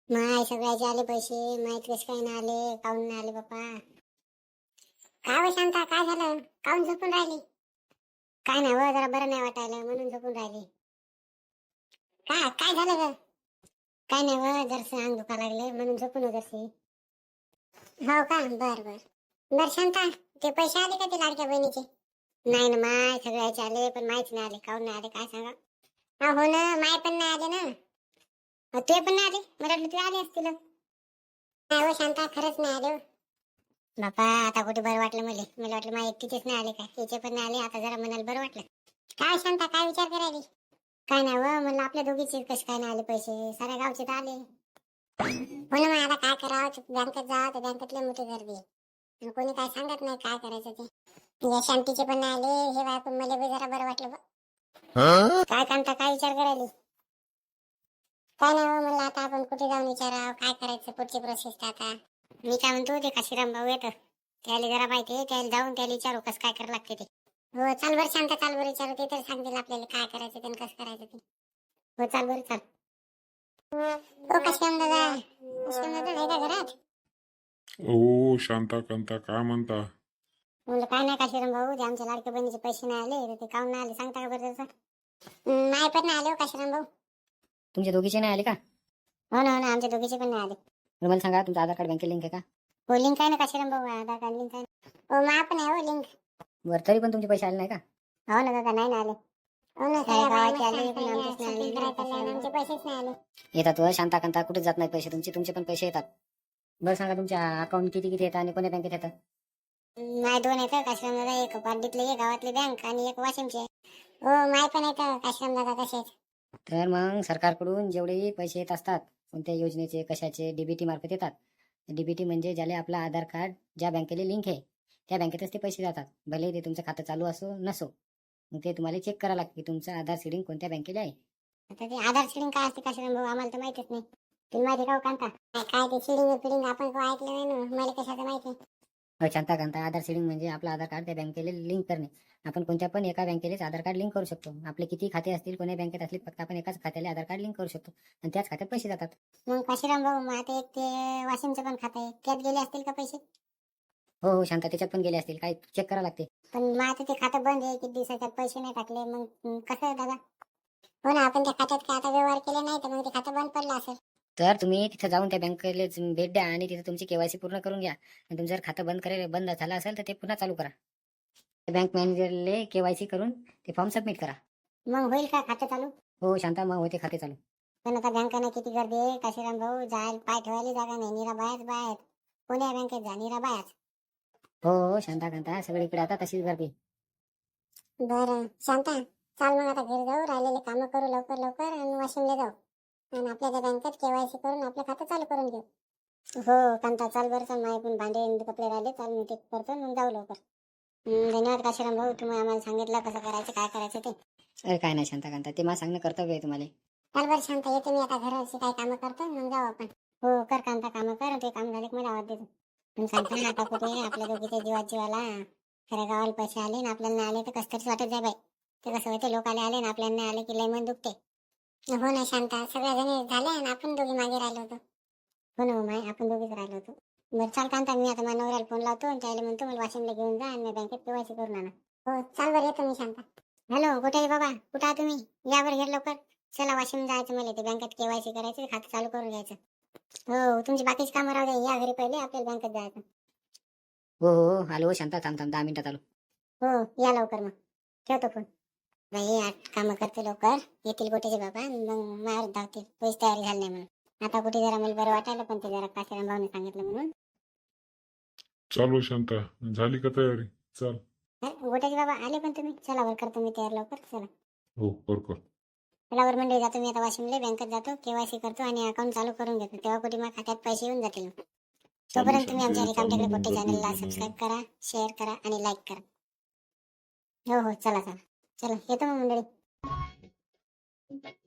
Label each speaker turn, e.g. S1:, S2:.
S1: माय सगळ्याचे आले पैसे, माहित कसे काय नाही आले, काऊन नाही आले बाप्पा? काय हो शांता, काय झालं? काऊन झोपून राहिली? काय नाही व, जरा बरं नाही वाटायला म्हणून झोपून राहिली. काय काय झालं ग? काय नाही व, जरसं अंग दुखा लागले म्हणून झोपून जरशी. हो का, बर बर. बर शांता, ते पैसे आले का ते लाडक्या बहिणीचे? नाही ना माय, सगळ्याचे आले पण माहीच नाही आले, काऊन नाही आले काय सांगा? हो ना, माय पण नाही आले ना. ते पण नाही आले, मला वाटलं ते आले असतील. नाही हो शांता, खरंच नाही आले हो. बापा आता कुठे बरं वाटलं मला वाटलं माझ्या एकटीचेच नाही आले काय, तिचे पण नाही आले. आता जरा मनाला बरं वाटलं. काय शांता, काय विचार करायली? काय नाही व, म्हणलं आपल्या दोघीचे कसे काय नाही आले पैसे, साऱ्या गावचे तर आले. हो ना, मग आता काय करावं, बँकेत जावं तर बँकेतले मोठी गर्दी आहे. आणि कोणी काय सांगत नाही काय करायचं ते. या शांतीचे पण नाही आले, हे ऐकून मला बी जरा बरं वाटलं बा. काय कांता, काय विचार करायली? काय नाही हो, म्हणलं आता आपण कुठे जाऊन विचारावं काय करायचं पुढची प्रोसेस. आता मी काय म्हणतो, ते काशीराम भाऊ येतं, त्याला जरा माहिती आहे, त्याला जाऊन त्याला विचारू कसं काय करावं लागते ते. हो चाल बरं शांत, चाल बरं विचारू, ते तर सांगतील आपल्याला काय करायचं ते कसं करायचं ते. हो चाल बरं चाल. हो काशीराम दादा, काशीराम दादा आहे का घरात?
S2: ओ शांता कांता, काय म्हणता?
S1: म्हणलं काय नाही काशीराम भाऊ, ते आमच्या लाडक्या बहिणीचे पैसे नाही आले तर ते काऊन नाही आले सांगता का बरं त्याचं? नाही पण नाही आले हो काशीराम भाऊ.
S3: तुमच्या दोघीचे नाही आले का?
S1: हो ना हो ना, आमच्या दोघीचे पण नाही आले.
S3: तर मला सांगा, तुमचं आधार कार्ड बँकेत लिंक आहे का?
S1: हो लिंक आहे ना काशीराम भाऊ, आधार कार्ड लिंक आहे ना. हो मा पण आहे हो लिंक.
S3: बरं, तरी पण तुमचे पैसे आले नाही का?
S1: हो ना दादा, नाही ना आले. हो ना, सगळ्या गावाचे आले पण आमचेच नाही आले, आमचे पैसेच नाही आले.
S3: येतात व शांता कांता, कुठेच जात नाही पैसे तुमचे पण पैसे येतात. बरं सांगा, तुमच्या अकाउंट किती किती येतात आणि कोण्या बँकेत येतात?
S1: माय दोन येतं काशीराम दादा, एक पारडीतले एक गावातली बँक आणि एक वाशिमची आहे. हो माय पण येतं काशीराम दादा तसेच.
S3: तर मग सरकारकडून जेवढेही पैसे येत असतात, कोणत्या योजनेचे कशाचे, डीबीटी मार्फत येतात. डीबीटी म्हणजे ज्याला आपला आधार कार्ड ज्या बँकेला लिंक आहे त्या बँकेतच ते पैसे जातात, भले ते तुमचं खातं चालू असो नसो. मग ते तुम्हाला चेक करावं लागतं की तुमचं आधार सीडिंग कोणत्या बँकेला आहे.
S1: आता ते आधार शिडिंग काय असते काशीराम भाऊ, आम्हाला तर माहितीच नाही. तुम्ही माहिती का हो कांता? काय ते शिडिंग फिडिंग आपण काय ऐकलं नाही ना, मला कशाचं माहिती.
S3: शांता कांता, आधार सीडिंग म्हणजे आपलं आधार कार्ड त्या बँकेला लिंक करणे. आपण कोणत्या पण एका बँकेलाच आधार कार्ड लिंक करू शकतो. आपले किती खाते असतील, कोण्या बँकेत असतील, फक्त आपण एकाच खात्याला आधार कार्ड लिंक करू शकतो आणि त्याच खात्यात पैसे जातात.
S1: मग काशीराम भाऊ, मग आता एक ते वाशिमचं पण खातं आहे, त्यात गेले असतील का पैसे?
S3: हो हो शांता, त्याच्यात पण गेले असतील, काय चेक करावं लागते.
S1: पण मग आता ते खातं बंद आहे, किती दिवसाच्यात पैसे नाही टाकले, मग कसं आहे दादा? हो ना, आपण त्या खात्यात काय आता व्यवहार केले नाही तर मग ते खातं बंद पडलं असेल.
S3: तर तुम्ही तिथं जाऊन त्या बँकेला भेट द्या आणि तिथे तुमची केवायसी पूर्ण करून घ्या. आणि तुमचं जर खातं बंद झालं असेल तर ते पुन्हा चालू करा. बँक मॅनेजरले केवायसी करून ते फॉर्म सबमिट करा.
S1: मग होईल का खातं चालू?
S3: हो शांता, मग होते खाते चालू.
S1: पण आता बँकांना किती गर्दी आहे काशीराम भाऊ, जायला पाय ठेवायला जागा नाही, निरा बायाच बाहेर. कोण्या बँकेत जा, निरा बायाच.
S3: हो हो शांता कांता, सगळीकडे आता तशीच गर्दी.
S1: बरं शांता, चाल मग आता घरी जाऊ, राहिलेले कामं करू लवकर लवकर आणि वाशिमला जाऊ आणि आपल्या त्या बँकेत केवायसी करून आपलं खातं चालू करून घेऊ. हो कांता, चाल बरं, चाल, माझे पण भांडे आणि कपडे राहिले, चाल मी ते करतो मग जाऊ लवकर. धन्यवाद काशीराम भाऊ, तुम्ही आम्हाला सांगितलं कसं करायचं काय करायचं ते.
S3: अरे काय नाही शांता कांता, ते मला सांगणं कर्तव्य आहे तुम्हाला.
S1: चाल बरं शांता, येतो मी आता घराची काही कामं करतो मग जाऊ आपण. हो कर कांता, कामं कर, ते काम झाले की मला आवाज देतो. पण सांगतो ना, आता कुठे आपल्या दोघीच्या जीवाला खऱ्या गावाला पैसे आले ना आपल्याला नाही आले तर कसं तरीच वाटत जाय बाई. ते कसं होते, लोकाले आले ना आपल्याला नाही आले की लय मन दुखते. हो ना शांता, सगळ्या जणी झाले आणि आपण दोघी मागे राहिलो होतो. हो ना माय, आपण दोघीच राहिलो होतो. बरं चाल कांता, मी आता माझ्या नवऱ्याला फोन लावतो आणि त्याला म्हणतो मला वाशिमला घेऊन जा आणि मी बँकेत केवायसी करून आणा. हो चाल बरं, येतो मी शांता. हॅलो, कुठे आहे बाबा, कुठं आहे तुम्ही? या बरं घे लवकर. चला वाशिम जायचं, मला ते बँकेत केवायसी करायचं, खातं चालू करून घ्यायचं. हो, तुमची बाकीची कामं राहू द्या, या घरी पहिले, आपल्याला बँकेत जायचं.
S3: हो हो हो, आलो हो शांता, थांब 10 मिनिटात आलो.
S1: हो या लवकर, मग ठेवतो फोन. बाई आठ कामं करते लवकर, येतील गोटेचे बाबा, मग मार धावते, पैसे तयारी झाली नाही म्हणून. आता कुठे जरा मला बरं वाटायला, पण ते जरा काशीराम भाऊने सांगितलं म्हणून.
S2: चालू शांता, झाली का तयारी? चल.
S1: गोटेचे बाबा आले पण तुम्ही, चला वर करतो मी तयार लवकर, चला.
S2: हो कर.
S1: चला वर मंडळी, जातो मी आता वाशिमला, बँकेत जातो, केवायसी करतो आणि अकाउंट चालू करून घेतो, तेव्हा कुठे माझ्या खात्यात पैसे येऊन जातील. तोपर्यंत तुम्ही आमच्या रिकाम टेकडे पोट्टे चॅनलला सबस्क्राईब करा, शेअर करा आणि लाईक करा. हो हो, चला चला चला, येतो मग मंडळी.